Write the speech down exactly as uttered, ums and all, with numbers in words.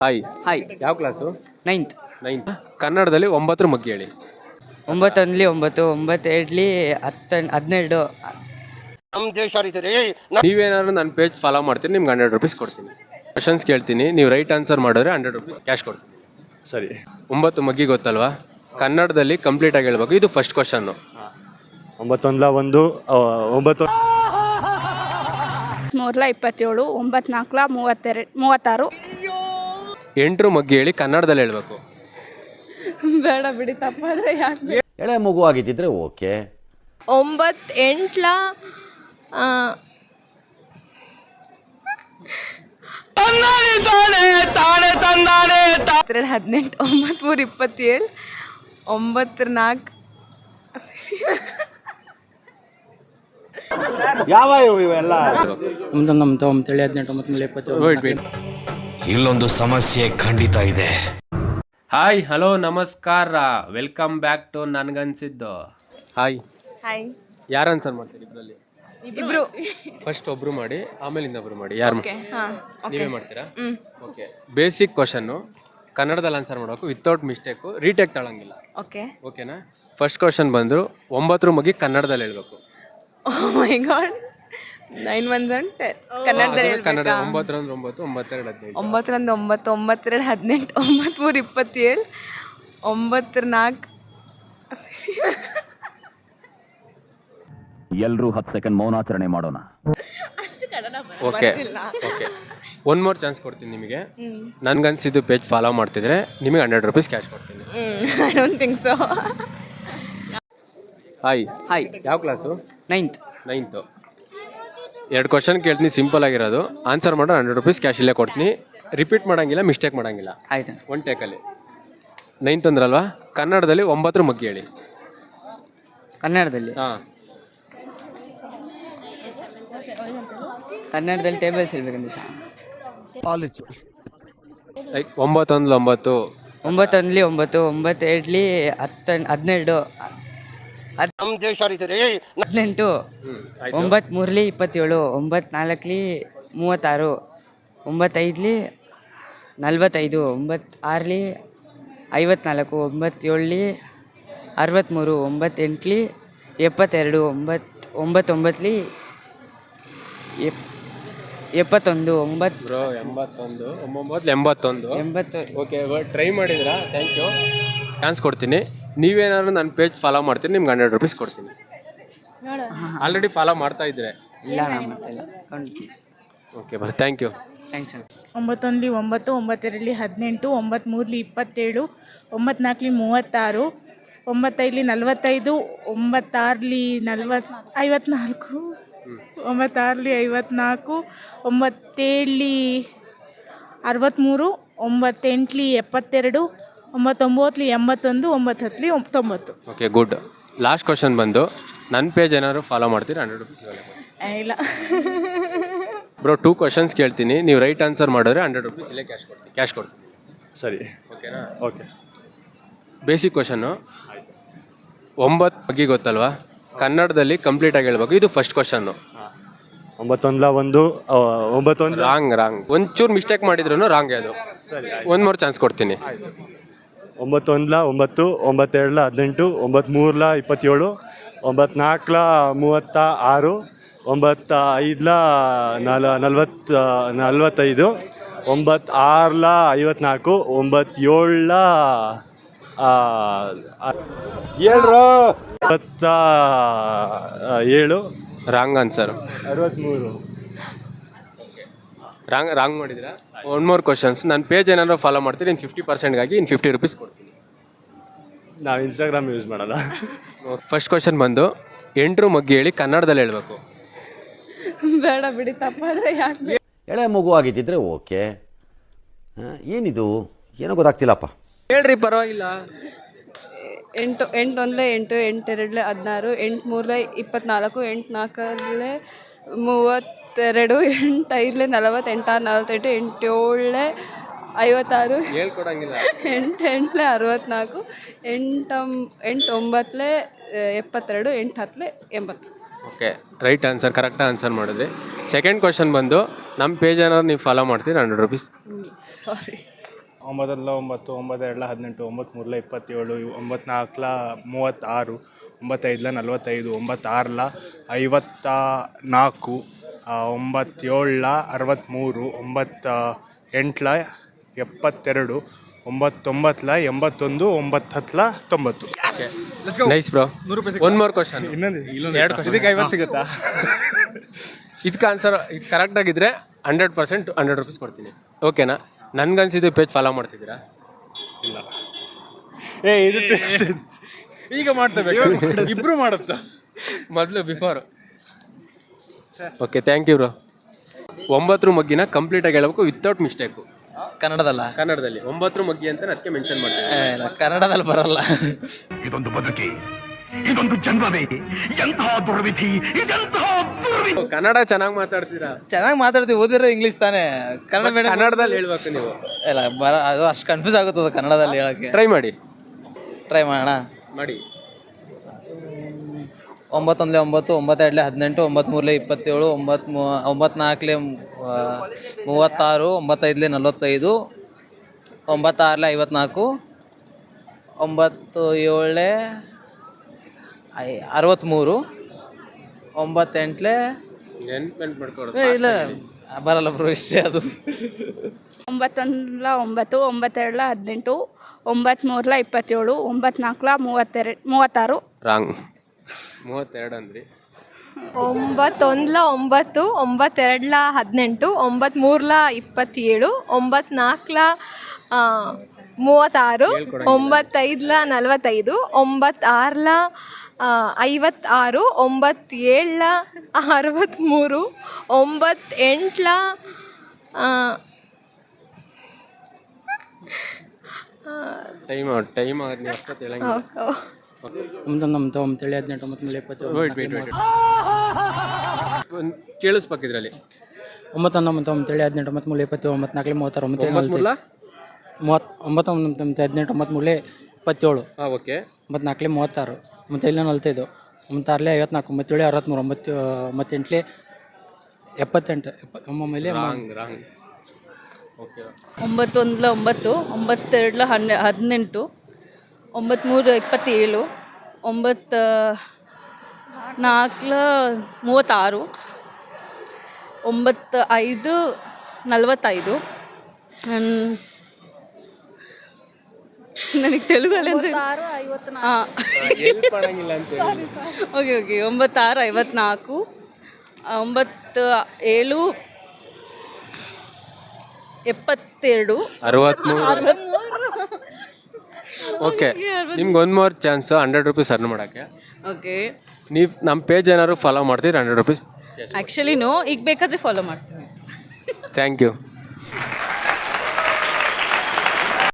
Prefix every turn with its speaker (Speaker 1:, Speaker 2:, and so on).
Speaker 1: Hi
Speaker 2: hi
Speaker 1: ಯಾವ class?
Speaker 2: Ninth.
Speaker 1: Ninth. ಕನ್ನಡದಲ್ಲಿ ಒಂಬತ್ತರ ಮಗ್ಗಿ ಹೇಳಿ.
Speaker 2: ಒಂಬತ್ತೊಂದಲಿ ಒಂಬತ್ತು, ಒಂಬತ್ತು ಎರಡ್ಲಿ ಹತ್ತು ಹದಿನೆರಡು.
Speaker 1: ನೀವೇನಾದ್ರು ನನ್ನ ಪೇಜ್ ಫಾಲೋ ಮಾಡ್ತೀನಿ, ನಿಮ್ಗೆ ಹಂಡ್ರೆಡ್ ರುಪೀಸ್ ಕೊಡ್ತೀನಿ. ಕ್ವಶನ್ಸ್ ಕೇಳ್ತೀನಿ, ನೀವು ರೈಟ್ ಆನ್ಸರ್ ಮಾಡಿದ್ರೆ ಹಂಡ್ರೆಡ್ ರುಪೀಸ್ ಕ್ಯಾಶ್ ಕೊಡ್ತೀನಿ.
Speaker 3: ಸರಿ.
Speaker 1: ಒಂಬತ್ತು ಮಗ್ಗಿ ಗೊತ್ತಲ್ವಾ? ಕನ್ನಡದಲ್ಲಿ ಕಂಪ್ಲೀಟ್ ಆಗಿ ಹೇಳ್ಬೇಕು. ಇದು ಫಸ್ಟ್ ಕ್ವಶನ್ನು.
Speaker 3: ಒಂಬತ್ತೊಂದಲ ಒಂದು ಆ, ಒಂಬತ್ತು
Speaker 4: ಮೂರ್ಲ ಇಪ್ಪತ್ತೇಳು, ಒಂಬತ್ತು ನಾಲ್ಕಲ ಮೂವತ್ತೆರಡು ಮೂವತ್ತಾರು.
Speaker 1: ಎಂಟ್ರು ಮಗ್ಗಿ ಹೇಳಿ, ಕನ್ನಡದಲ್ಲಿ ಹೇಳ್ಬೇಕು.
Speaker 4: ಬೇಡ ಬಿಡಿ, ತಪ್ಪಾದ್ರೆ ಯಾಕೆ?
Speaker 5: ಎಳೆ ಮಗು ಆಗಿದ್ದಿದ್ರೆ ಓಕೆ.
Speaker 6: ಒಂಬತ್ತು ಎಂಟ್ಲ
Speaker 7: ಎರಡು ಹದಿನೆಂಟು, ಒಂಬತ್ತು ಮೂರು ಇಪ್ಪತ್ತೇಳು, ಒಂಬತ್ತರ ನಾಲ್ಕು.
Speaker 3: ಯಾವ ಇವೆಲ್ಲ
Speaker 5: ಇಲ್ಲೊಂದು ಸಮಸ್ಯೆ ಖಂಡಿತ ಇದೆ.
Speaker 1: ಹಾಯ್, ಹಲೋ, ನಮಸ್ಕಾರ, ವೆಲ್ಕಮ್ ಬ್ಯಾಕ್ ಟು ನನ್ಗನ್ಸಿದ್ದು. Hi
Speaker 7: hi.
Speaker 1: ಯಾರು ಆನ್ಸರ್ ಮಾಡ್ತೀರಿ ಇಬ್ಬರಲ್ಲಿ?
Speaker 7: ಇಬ್ರು.
Speaker 1: ಫಸ್ಟ್ ಒಬ್ರು ಮಾಡಿ, ಆಮೇಲೆ ಇನ್ನೊಬ್ರು ಮಾಡಿ. ಯಾರು
Speaker 7: ಓಕೆ. ಹಾಂ,
Speaker 1: ನೀವೇ ಮಾಡ್ತೀರಾ? ಓಕೆ. ಬೇಸಿಕ್ ಕ್ವಶನ್ನು ಕನ್ನಡದಲ್ಲಿ ಆನ್ಸರ್ ಮಾಡಬೇಕು, ವಿತೌಟ್ ಮಿಸ್ಟೇಕು. ರೀಟೇಕ್ ತಗೊಳಂಗಿಲ್ಲ.
Speaker 7: ಓಕೆ.
Speaker 1: ಓಕೆನಾ? ಫಸ್ಟ್ ಕ್ವಶನ್ ಬಂದರು, ಒಂಬತ್ತರ ಮಗಿ ಕನ್ನಡದಲ್ಲಿ ಹೇಳ್ಬೇಕು.
Speaker 7: Oh my God. Nine one ten ಕನ್ನಡದಲ್ಲಿ
Speaker 1: ಕನ್ನಡ.
Speaker 7: ಹೇಳ್ಬೇಕಾ?
Speaker 1: ಒಂಬತ್ತರಂದ್ರೆ ಒಂಬತ್ತು, ಒಂಬತ್ತೆರಡು ಹದಿನೈದು.
Speaker 7: ಒಂಬತ್ತರಂದು ಒಂಬತ್ತು, ಒಂಬತ್ತೆರಡು ಹದಿನೆಂಟು, ಒಂಬತ್ತು ಮೂರು ಇಪ್ಪತ್ತೇಳು, ಒಂಬತ್ತರ ನಾಲ್ಕು.
Speaker 5: ಎಲ್ರೂ ಹತ್ತು ಸೆಕೆಂಡ್ ಮೌನಾಚರಣೆ ಮಾಡೋಣ.
Speaker 1: Okay okay one more chance ಕೊಡ್ತೀನಿ ನಿಮಗೆ. ನನ್ಗನ್ಸಿದ್ದು ಪೇಜ್ ಫಾಲೋ ಮಾಡ್ತಿದ್ರೆ ನಿಮಗೆ ಹಂಡ್ರೆಡ್ ರುಪೀಸ್ ಕ್ಯಾಶ್ ಕೊಡ್ತೀನಿ.
Speaker 7: I don't think so.
Speaker 1: Hi
Speaker 2: hi
Speaker 1: ಯಾವ ಕ್ಲಾಸು?
Speaker 2: ನೈನ್ತ್.
Speaker 1: ನೈನ್ತು. ಎರಡು ಕ್ವಶನ್ ಕೇಳ್ತೀನಿ, ಸಿಂಪಲ್ ಆಗಿರೋದು. ಆನ್ಸರ್ ಮಾಡೋ ಹಂಡ್ರೆಡ್ ರುಪೀಸ್ ಕ್ಯಾಶ್ ಇಲ್ಲೇ ಕೊಡ್ತೀನಿ. ರಿಪೀಟ್ ಮಾಡೋಂಗಿಲ್ಲ, ಮಿಸ್ಟೇಕ್ ಮಾಡೋಂಗಿಲ್ಲ.
Speaker 2: ಆಯ್ತು.
Speaker 1: ಒನ್ ಟೇಕಲ್ಲಿ. ನೈನ್ತ್ ಅಂದ್ರಲ್ವಾ? ಕನ್ನಡದಲ್ಲಿ ಒಂಬತ್ತರ ಮಗ್ಗಿ ಹೇಳಿ.
Speaker 2: ಕನ್ನಡದಲ್ಲಿ
Speaker 1: ಹಾಂ.
Speaker 2: ಕನ್ನಡದಲ್ಲಿ ಟೇಬಲ್ಸ್ ಹೇಳ್ಬೇಕಂದ್ರೆ
Speaker 1: ಲೈಕ್ ಒಂಬತ್ತೊಂದು ಒಂಬತ್ತು,
Speaker 2: ಒಂಬತ್ತೊಂದಲಿ ಒಂಬತ್ತು, ಒಂಬತ್ತು ಎರಡ್ಲಿ ಹತ್ತು ಹದಿನೆರಡು, ಹದಿನೆಂಟು, ಒಂಬತ್ತು ಮೂರ್ಲಿ ಇಪ್ಪತ್ತೇಳು, ಒಂಬತ್ತು ನಾಲ್ಕಲಿ ಮೂವತ್ತಾರು, ಒಂಬತ್ತೈದಲಿ ನಲ್ವತ್ತೈದು, ಒಂಬತ್ತು ಆರ್ಲಿ ಐವತ್ನಾಲ್ಕು, ಒಂಬತ್ತೇಳಲಿ ಅರವತ್ತ್ಮೂರು, ಒಂಬತ್ತೆಂಟ್ಲಿ ಎಪ್ಪತ್ತೆರಡು, ಒಂಬತ್ತು ಒಂಬತ್ತೊಂಬತ್ತಲಿ ಎಪ್ ಎಪ್ಪತ್ತೊಂದು, ಒಂಬತ್ತು
Speaker 1: ಬ್ರೋ ಎಂಬತ್ತೊಂದು, ಒಂಬತ್ತು ಎಂಬತ್ತೊಂದು,
Speaker 2: ಎಂಬತ್ತು.
Speaker 1: ಓಕೆ, ಟ್ರೈ ಮಾಡಿದ್ರಾ? Thank you. ಚಾನ್ಸ್ ಕೊಡ್ತೀನಿ. ನೀವೇನಾದ್ರು ನನ್ನ ಪೇಜ್ ಫಾಲೋ ಮಾಡ್ತೀನಿ, ನಿಮ್ಗೆ ಹಂಡ್ರೆಡ್ ರುಪೀಸ್ ಕೊಡ್ತೀನಿ. ಆಲ್ರೆಡಿ ಫಾಲೋ ಮಾಡ್ತಾ ಇದ್ರೆ?
Speaker 2: ಇಲ್ಲ, ನಾನು ಮಾಡ್ತಾಯಿಲ್ಲ.
Speaker 1: ಓಕೆ ಬರ್, ಥ್ಯಾಂಕ್ ಯು.
Speaker 2: Thanks sir.
Speaker 8: ಒಂಬತ್ತೊಂದಲಿ ಒಂಬತ್ತು, ಒಂಬತ್ತೆರಡಲಿ ಹದಿನೆಂಟು, ಒಂಬತ್ತು ಮೂರಲಿ ಇಪ್ಪತ್ತೇಳು, ಒಂಬತ್ತು ನಾಲ್ಕಲಿ ಮೂವತ್ತಾರು, ಒಂಬತ್ತೈದಲಿ ನಲ್ವತ್ತೈದು, ಒಂಬತ್ತಾರಲಿ ನಲ್ವತ್ತು ಐವತ್ನಾಲ್ಕು, ಒಂಬತ್ತಾರಲಿ ಐವತ್ನಾಲ್ಕು, ಒಂಬತ್ತೇಳಲಿ ಅರವತ್ತ್ಮೂರು, ಒಂಬತ್ತೆಂಟ್ಲಿ ಎಪ್ಪತ್ತೆರಡು, ಒಂಬತ್ತೊಂಬತ್ತಲಿ ಎಂಬತ್ತೊಂದು, ಒಂಬತ್ತು ಹತ್ತಲಿ ತೊಂಬತ್ತು.
Speaker 1: Okay, good. ಲಾಸ್ಟ್ ಕ್ವಶನ್ ಬಂದು, ನನ್ನ ಪೇಜ್ ಏನಾದ್ರು ಫಾಲೋ ಮಾಡ್ತೀರಾ ಹಂಡ್ರೆಡ್ ರುಪೀಸ್
Speaker 8: ಇಲ್ಲ.
Speaker 1: ಬ್ರೋ, ಟೂ ಕ್ವಶನ್ಸ್ ಕೇಳ್ತೀನಿ, ನೀವು ರೈಟ್ ಆನ್ಸರ್ ಮಾಡಿದ್ರೆ ಹಂಡ್ರೆಡ್ ರುಪೀಸ್ ಇಲ್ಲೇ ಕ್ಯಾಶ್ ಕೊಡ್ತೀನಿ ಕ್ಯಾಶ್ ಕೊಡ್ತೀನಿ
Speaker 3: ಸರಿ.
Speaker 1: ಓಕೆನಾ?
Speaker 3: ಓಕೆ.
Speaker 1: ಬೇಸಿಕ್ ಕ್ವಶನ್ನು ಒಂಬತ್ತು ಬಗ್ಗೆ ಗೊತ್ತಲ್ವಾ? ಕನ್ನಡದಲ್ಲಿ ಕಂಪ್ಲೀಟ್ ಆಗಿ ಹೇಳ್ಬೇಕು. ಇದು ಫಸ್ಟ್ ಕ್ವಶನ್ನು.
Speaker 3: ಒಂಬತ್ತೊಂದಲ ಒಂದು ಆ, ಒಂಬತ್ತೊಂದು
Speaker 1: ರಾಂಗ್ ರಾಂಗ್ ಒಂಚೂರು ಮಿಸ್ಟೇಕ್ ಮಾಡಿದ್ರು ರಾಂಗ್. ಅದು
Speaker 3: ಸರಿ.
Speaker 1: ಒಂದು ಮೂರು ಚಾನ್ಸ್ ಕೊಡ್ತೀನಿ.
Speaker 3: ಒಂಬತ್ತೊಂದಲ ಒಂಬತ್ತು, ಒಂಬತ್ತೆರಡಲ ಹದಿನೆಂಟು, ಒಂಬತ್ತು ಮೂರಲ ಇಪ್ಪತ್ತೇಳು, ಒಂಬತ್ತು ನಾಲ್ಕಲ ಮೂವತ್ತ ಆರು, ಒಂಬತ್ತು ಐದಲ ನಲ ನಲ್ವತ್ತು ನಲ್ವತ್ತೈದು, ಒಂಬತ್ತು ಆರಲ ಐವತ್ನಾಲ್ಕು, ಒಂಬತ್ತೇಳಲ ಇಪ್ಪತ್ತ ಏಳು,
Speaker 1: ರಾಂಗ್ ಆನ್ಸರ್.
Speaker 3: ಅರವತ್ತ್ಮೂರು.
Speaker 1: ರಾಂಗ್ ರಾಂಗ್ ಮಾಡಿದ್ದೀರಾ? One more questions. ನನ್ನ ಪೇಜ್ ಏನಾದ್ರು ಫಾಲೋ ಮಾಡ್ತೀರಿ, ಇನ್ನು ಫಿಫ್ಟಿ ಪರ್ಸೆಂಟ್ಗಾಗಿ ಇನ್ನು ಫಿಫ್ಟಿ ರುಪೀಸ್ ಕೊಡ್ತೀನಿ.
Speaker 3: ನಾವು ಇನ್ಸ್ಟಾಗ್ರಾಮ್ ಯೂಸ್ ಮಾಡಲ್ಲ.
Speaker 1: ಫಸ್ಟ್ ಕ್ವಶನ್ ಬಂದು, ಎಂಟ್ರು ಮಗ್ಗಿ ಹೇಳಿ, ಕನ್ನಡದಲ್ಲಿ ಹೇಳ್ಬೇಕು.
Speaker 4: ಬೇಡ ಬಿಡಿ, ತಪ್ಪಾದ್ರೆ ಯಾಕೆ?
Speaker 5: ಎಳೆ ಮಗು ಆಗಿದ್ದಿದ್ರೆ ಓಕೆ. ಏನಿದು ಏನೋ ಗೊತ್ತಾಗ್ತಿಲ್ಲಪ್ಪ.
Speaker 1: ಹೇಳ್ರಿ, ಪರವಾಗಿಲ್ಲ.
Speaker 4: ಎಂಟು ಎಂಟು ಒಂದಲೇ ಎಂಟು, ಎಂಟೆರಡಲೇ ಹದಿನಾರು, ಎಂಟು ಮೂರಲೇ ಇಪ್ಪತ್ನಾಲ್ಕು, ಎಂಟು ನಾಲ್ಕಲೇ ಮೂವತ್ತೆರಡು, ಎಂಟು ಐದಲೇ ನಲವತ್ತು, ಎಂಟಾರು ನಲವತ್ತೆಂಟು, ಎಂಟೇಳಲೇ ಐವತ್ತಾರು,
Speaker 1: ಹೇಳ್ಕೊಡಂಗಿಲ್ಲ.
Speaker 4: ಎಂಟು ಎಂಟಲೇ ಅರವತ್ತ್ನಾಲ್ಕು, ಎಂಟು ಎಂಟು ಒಂಬತ್ತಲೇ ಎಪ್ಪತ್ತೆರಡು, ಎಂಟು ಹತ್ತಲೇ ಎಂಬತ್ತು.
Speaker 1: Okay, right answer, correct answer ಮಾಡಿದ್ರಿ. ಸೆಕೆಂಡ್ ಕ್ವಶನ್ ಬಂದು, ನಮ್ಮ ಪೇಜ್ ಏನಾದ್ರು ನೀವು ಫಾಲೋ ಮಾಡ್ತೀರಿ ಹಂಡ್ರೆಡ್ ರುಪೀಸ್.
Speaker 4: ಸಾರಿ.
Speaker 3: ಒಂಬತ್ತಲ್ಲ ಒಂಬತ್ತು ಒಂಬತ್ತೆರಡಲ ಹದಿನೆಂಟು ಒಂಬತ್ತು ಮೂರಲ ಇಪ್ಪತ್ತೇಳು ಒಂಬತ್ತು ನಾಲ್ಕಲ ಮೂವತ್ತಾರು ಒಂಬತ್ತೈದಲ ನಲ್ವತ್ತೈದು ಒಂಬತ್ತಾರಲ ಐವತ್ತ ನಾಲ್ಕು ಒಂಬತ್ತೇಳಲ ಅರವತ್ತ್ಮೂರು ಒಂಬತ್ತ ಎಂಟಲ ಎಪ್ಪತ್ತೆರಡು ಒಂಬತ್ತೊಂಬತ್ತಲ ಎಂಬತ್ತೊಂದು ಒಂಬತ್ತು ಹತ್ತಲ ತೊಂಬತ್ತು.
Speaker 1: Nice bro. One more question.
Speaker 3: ಇನ್ನೊಂದು
Speaker 1: ಎರಡು ಕ್ವಶನ್.
Speaker 3: ಇದಕ್ಕೆ ಐವತ್ತು ಸಿಗುತ್ತಾ?
Speaker 1: ಇದಕ್ಕೆ ಆನ್ಸರ್ ಇದು ಕರೆಕ್ಟ್ ಆಗಿದ್ರೆ ಹಂಡ್ರೆಡ್ ಪರ್ಸೆಂಟ್ ಹಂಡ್ರೆಡ್ ರುಪೀಸ್ ಕೊಡ್ತೀನಿ. ಓಕೆನಾ? ನನ್ಗನ್ಸಿದ್ದು ಪೇಜ್ ಫಾಲೋ ಮಾಡ್ತಿದ್ದೀರಾ?
Speaker 3: ಇಲ್ಲ. ಏ ಇದು
Speaker 9: ಈಗ ಮಾಡ್ತೇವೆ, ಇಬ್ರು ಮಾಡುತ್ತಾ
Speaker 1: ಮೊದಲು before. Okay, thank you bro. ಒಂಬತ್ತರ ಮಗ್ಗಿನ ಕಂಪ್ಲೀಟಾಗಿ ಹೇಳ್ಬೇಕು ವಿತೌಟ್ ಮಿಸ್ಟೇಕು.
Speaker 9: ಕನ್ನಡದಲ್ಲ,
Speaker 1: ಕನ್ನಡದಲ್ಲಿ ಒಂಬತ್ತರ ಮಗ್ಗಿ ಅಂತ ಅದಕ್ಕೆ ಮೆನ್ಷನ್ ಮಾಡ್ತೀನಿ.
Speaker 9: ಇಲ್ಲ ಕನ್ನಡದಲ್ಲಿ ಬರಲ್ಲ.
Speaker 5: ಇದೊಂದು ಬದುಕಿ, ಇದೊಂದು ಜನ್ಮವೇ, ಎಂತಹ ದುರ್ವಿಧಿ, ಇದೆಂತಹ ದುರ್ವಿಧಿ.
Speaker 1: ಕನ್ನಡ ಚೆನ್ನಾಗಿ ಮಾತಾಡ್ತೀರಾ.
Speaker 9: ಚೆನ್ನಾಗಿ ಮಾತಾಡ್ತೀವಿ, ಓದಿರೋ ಇಂಗ್ಲೀಷ್ ತಾನೇ. ಕನ್ನಡ ಮೇಡಮ್
Speaker 1: ಕನ್ನಡದಲ್ಲಿ ಹೇಳ್ಬೇಕು ನೀವು.
Speaker 9: ಇಲ್ಲ ಬರ ಅದು ಅಷ್ಟು ಕನ್ಫ್ಯೂಸ್ ಆಗುತ್ತದೆ ಕನ್ನಡದಲ್ಲಿ ಹೇಳೋಕ್ಕೆ.
Speaker 1: ಟ್ರೈ ಮಾಡಿ
Speaker 9: ಟ್ರೈ ಮಾಡೋಣ.
Speaker 1: ಮಾಡಿ.
Speaker 9: ಒಂಬತ್ತೊಂದಲೇ ಒಂಬತ್ತು, ಒಂಬತ್ತೆರಡಲೇ ಹದಿನೆಂಟು, ಒಂಬತ್ತ್ಮೂರಲೇ ಇಪ್ಪತ್ತೇಳು, ಒಂಬತ್ತು ಮೂ ಒಂಬತ್ನಾಲ್ಕಲೇ ಮೂವತ್ತಾರು, ಒಂಬತ್ತೈದಲೇ ನಲ್ವತ್ತೈದು, ಒಂಬತ್ತಾರಲೇ ಐವತ್ನಾಲ್ಕು, ಒಂಬತ್ತು ಏಳಲೇ ಐ ಅರವತ್ತ್ಮೂರು, ಒಂಬತ್ತೆಂಟಲೇ
Speaker 1: ನೆನ್ಪು ಮಾಡ್ಕೊಡೋದು.
Speaker 9: ಏ, ಇಲ್ಲ ಬರಲ್ಲ ಬ್ರೋ, ಇಷ್ಟೇ ಅದು.
Speaker 4: ಒಂಬತ್ತೊಂದಲ ಒಂಬತ್ತು, ಒಂಬತ್ತೆರಡಲ ಹದಿನೆಂಟು, ಒಂಬತ್ತ್ಮೂರಲ ಇಪ್ಪತ್ತೇಳು, ಒಂಬತ್ನಾಲ್ಕಲ ಮೂವತ್ತೆರಡು ಮೂವತ್ತಾರು.
Speaker 1: ರಾಂಗ್. ಮೂವತ್ತೆರಡು ಅಂದ್ರಿ.
Speaker 6: ಒಂಬತ್ತೊಂದಲ ಒಂಬತ್ತು ಒಂಬತ್ತೆರಡಲ ಹದಿನೆಂಟು ಒಂಬತ್ತ್ಮೂರಲ ಇಪ್ಪತ್ತೇಳು ಒಂಬತ್ನಾಲ್ಕಲ ಮೂವತ್ತಾರು ಒಂಬತ್ತೈದಲ ನಲವತ್ತೈದು ಒಂಬತ್ತಾರಲ ಐವತ್ತಾರು ಒಂಬತ್ತೇಳಲ ಅರವತ್ತ್ಮೂರು ಒಂಬತ್ತೆಂಟಲ
Speaker 1: ಟೈಮ್ ಔಟ್ ಟೈಮ್ ಆಗಿ ನೀವು ಅಷ್ಟೊತ್ತು ಹೇಳಂಗಿಲ್ಲ.
Speaker 9: ಒಂಬತ್ತೊಂದು ಒಂಬತ್ತೇಳು ಹದಿನೆಂಟು ಒಂಬತ್ತ್ಮೂರು ಇಪ್ಪತ್ತೇಳು
Speaker 1: ವೇಟ್ ವೇಟ್ ವೇಟ್ ಒಂದು ಕೇಳಿಸ್ಬೇಕು ಇದರಲ್ಲಿ.
Speaker 9: ಒಂಬತ್ತೊಂದು ಒಂಬತ್ತು ಒಂಬತ್ತೇಳು ಹದಿನೆಂಟು ಒಂಬತ್ತ್ಮೂರು ಇಪ್ಪತ್ತೇಳು ಒಂಬತ್ನಾಲ್ಕಲೇ ಮೂವತ್ತಾರು ಒಂಬತ್ತೇಳು
Speaker 1: ಒಂಬತ್ಮೂರಲ
Speaker 9: ಮೂವತ್ತು ಒಂಬತ್ತೊಂಬತ್ತು ಒಂಬತ್ತು ಹದಿನೆಂಟು ಒಂಬತ್ತ್ಮೂರಲೇ ಇಪ್ಪತ್ತೇಳು
Speaker 1: ಹಾಂ ಓಕೆ
Speaker 9: ಒಂಬತ್ನಾಲ್ಕಲೇ ಮೂವತ್ತಾರು ಒಂಬತ್ತೈದಲೇ ನಲ್ವತ್ತೈದು ಒಂಬತ್ತಾರಲೇ ಐವತ್ನಾಲ್ಕು ಒಂಬತ್ತೇಳು ಅರವತ್ತ್ಮೂರು ಒಂಬತ್ತು ಒಂಬತ್ತೆಂಟಲೇ ಎಪ್ಪತ್ತೆಂಟು ಎಪ್ಪ ಒಮ್ಮೊಮ್ಮೆಲೆ
Speaker 1: ರಾಂಗ್ ರಾಂಗ್. ಓಕೆ.
Speaker 7: ಒಂಬತ್ತೊಂದಲ ಒಂಬತ್ತು, ಒಂಬತ್ತೆರಡಲ ಹನ್ನೆ ಹದಿನೆಂಟು, ಒಂಬತ್ತ್ಮೂರು ಇಪ್ಪತ್ತೇಳು, ಒಂಬತ್ತು ನಾಲ್ಕಲ ಮೂವತ್ತಾರು, ಒಂಬತ್ತು ಐದು ನಲವತ್ತೈದು. ನನಗೆ ತೆಲುಗಲ್ಲಿ ಅಂದರೆ ಹಾಂ
Speaker 1: ಹೆಲ್ಪ್ ಮಾಡಂಗಿಲ್ಲ ಅಂತ ಹೇಳಿ.
Speaker 7: ಓಕೆ ಓಕೆ ಒಂಬತ್ತಾರು ಐವತ್ನಾಲ್ಕು, ಒಂಬತ್ತು ಏಳು ಎಪ್ಪತ್ತೆರಡು,
Speaker 1: ಅರವತ್ತ್ಮೂರು. ಓಕೆ, ನಿಮ್ಗೆ ಒಂದು more chance hundred rupees earn ಮಾಡೋಕ್ಕೆ.
Speaker 7: ಓಕೆ.
Speaker 1: ನೀವು ನಮ್ಮ ಪೇಜ್ ಏನಾದ್ರು ಫಾಲೋ ಮಾಡ್ತೀರಿ ಹಂಡ್ರೆಡ್ ರುಪೀಸ್.
Speaker 7: ಆ್ಯಕ್ಚುಲಿ ನೋ, ಈಗ ಬೇಕಾದರೆ ಫಾಲೋ ಮಾಡ್ತೀನಿ.
Speaker 1: Thank you.